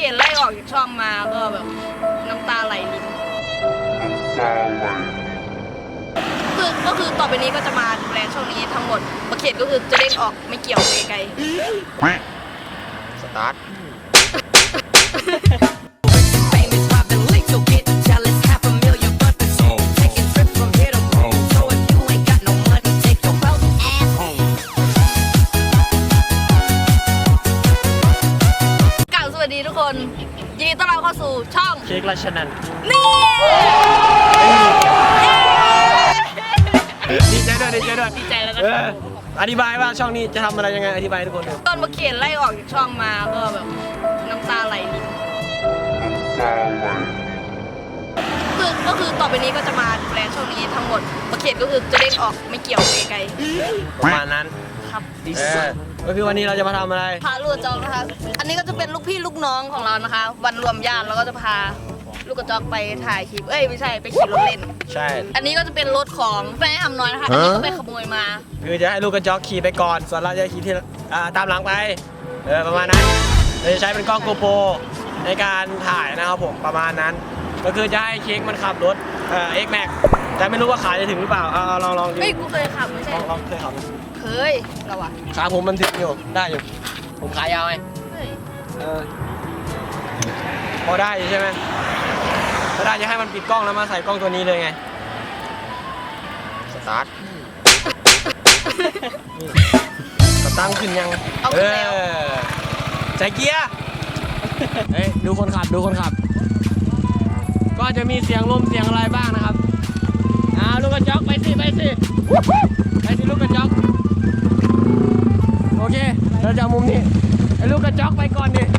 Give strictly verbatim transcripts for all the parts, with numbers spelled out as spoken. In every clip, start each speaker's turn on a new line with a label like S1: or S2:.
S1: ขียนไล่ออกจากช่องมาก็แบบน้ำตาไหลลินคือก็คือต่อไปนี้ก็จะมาดูแลช่องนี้ทั้งหมดมาเขียนก็คือจะเด้งออกไม่เกี่ยวไปไกล
S2: สตาร์ท
S1: สวัสดีทุกคนยินดีต้อนรับเข้าสู่ช่อง
S2: เค้กราชนันท์
S1: นี่
S2: ดีใจด้วยดีใจด้วย
S1: ดีใจแล้วนะ
S2: อธิบายว่าช่องนี้จะทำอะไรยังไงอธิบายทุกคน
S1: ตอนมาเขียนไล่ออกจากช่องมาก็แบบน้ำตาไหลลินคือก็คือต่อไปนี้ก็จะมาดูแลช่องนี้ทั้งหมดมาเขียนก็คือจะเด้งออกไม่เกี่ยวไปไกล
S2: ประมาณนั้น
S1: ครับ
S2: ก็คือวันนี้เราจะมาทำอะไร
S1: พาลูกกระจอกนะคะอันนี้ก็จะเป็นลูกพี่ลูกน้องของเรานะคะวันรวมญาติเราก็จะพาลูกกระจอกไปถ่ายคลิปเอ้ยไม่ใช่ไปขี่รถเล่น
S2: ใช่
S1: อันนี้ก็จะเป็นรถของแฟนอำน้อยนะคะอันนี้ก็ไปขโมยมา
S2: คือจะให้ลูกกระจอกขี่ไปก่อนส่วนเราจะขี่ที่ตามหลังไปเออประมาณนั้นเราจะใช้เป็นกล้องโกโปรในการถ่ายนะครับผมประมาณนั้นก็คือจะให้เค้กมันขับรถเอ่อ X Max แต่ไม่รู้ว่าขาจะถึงหรือเปล่าเอาลองลองดู
S1: เฮ้ยกูเคยขับไม่ใช่
S2: ลองเคยขับ
S1: เคยเราอะ
S2: ขาผมมันถึงอยู่ได้อยู่ผมขายาวไงเออพอได้ใช่ไหมถ้าได้จะให้มันปิดกล้องแล้วมาใส่กล้องตัวนี้เลยไงสตาร์ทสตาร์ทขึ้นยังเออใส่เกียร์เฮ้ยดูคนขับดูคนขับก็จะมีเสียงลมเสียงอะไรบ้างนะครับอ่าลูกกระจอกไปสิไปสิไปสิลูกกระจอกโอเคเราจะมุมนี้ไอ้ลูกกระจอกไปก่อนดิ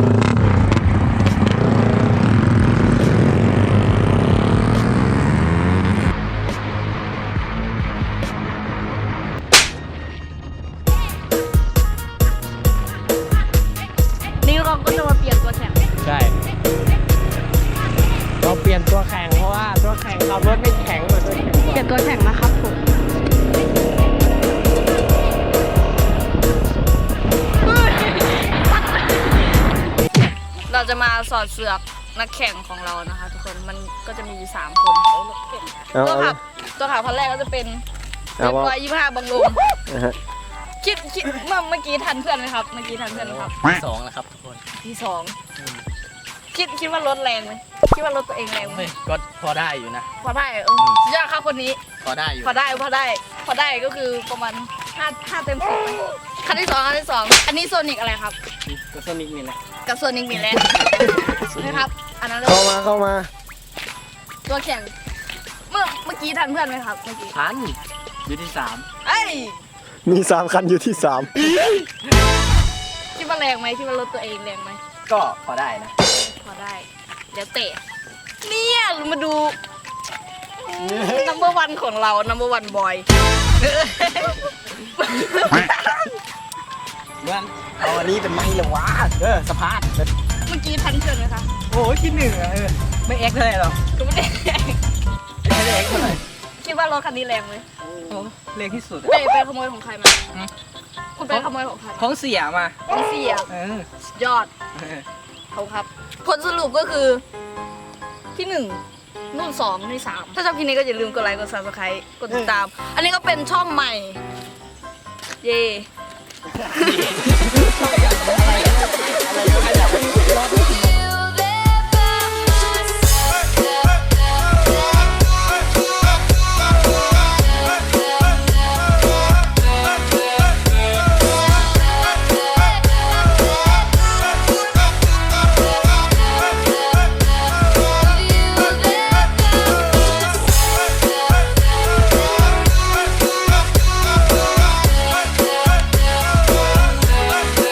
S1: นี่เราก็จะมาเปลี่ยนตัวแข่ง
S2: ใช่เราเปลี่ยนตัวแข่งเพราะว่าตัวแข่งขับรถไม่แข็งเหมือนตัวแข่ง
S1: เปลี่ยนตัวแข่งนะครับผมเราจะมาสอดเสือกนักแข่งของเรานะคะทุกคนมันก็จะมีสามคนตัวขับตัวขับคนแรกก็จะเป็นเรียบร้อยยี่ห้าบังลมคิดคิดเมื่อเมื่อกี้ทันเพื่อนไหมครับเมื่อกี้ทันเพื่อนไหมครับ
S2: ที่สองนะครับทุกคน
S1: ที่สองคิดคิดว่ารถแรงไหมคิดว่ารถตัวเองแรงไหม
S2: ก็พอได้อยู่นะ
S1: พอได้เออยากครับคนนี้
S2: พอได้อยู่
S1: พอได้พอได้พอได้ก็คือประมาณห้าห้าเต็มสิบคันที่สองคันที่สองอันนี้โซนิกอะไรครับ
S2: ก็โซนิกนี่แหละ
S1: กับโซนิกมีแลนนะครับอันนั้น
S2: เข้ามาเข้ามา
S1: ตัวแข่งเมื่อเมื่อกี้ทันเพื่อนไหมครับเมื่อกี้
S2: ทันอยู่ที่สาม
S1: เอ้ย
S2: มีสามคันอยู่ที่สาม
S1: คิดว่าแรงไหมคิดว่ารถตัวเองแรงไหม
S2: ก็พอได้นะ
S1: พอได้เดี๋ยวเตะเนี่ยมาดู number one ของเรา number one boy
S2: เมื่อเอาอันนี้เป็นไม้เลยวะเออสะพาน
S1: เมื่อกี้ทันเชิญไหมคะ
S2: โอ้ยคิดหนึ่งอะเออไม่เอ็กซ์เท่าไหร่หรอก
S1: ก็ไม่ได้
S2: ไม่ได้เอ็กซ์เท่าไหร่
S1: คิดว่ารถคันนี้แรงไหม
S2: โอ้แรงที่สุด
S1: ไปไปขโมยของใครมาคุณไปขโมยของใคร
S2: ของเสียมา
S1: ของเสีย
S2: เอ
S1: อยอดเขาครับผลสรุปก็คือที่หนึ่งนู่นสองนี่สามถ้าชอบคลิปนี้ก็อย่าลืมกดไลค์กด ซับสไครบ์ กดติดตามอันนี้ก็เป็นช่องใหม่เย่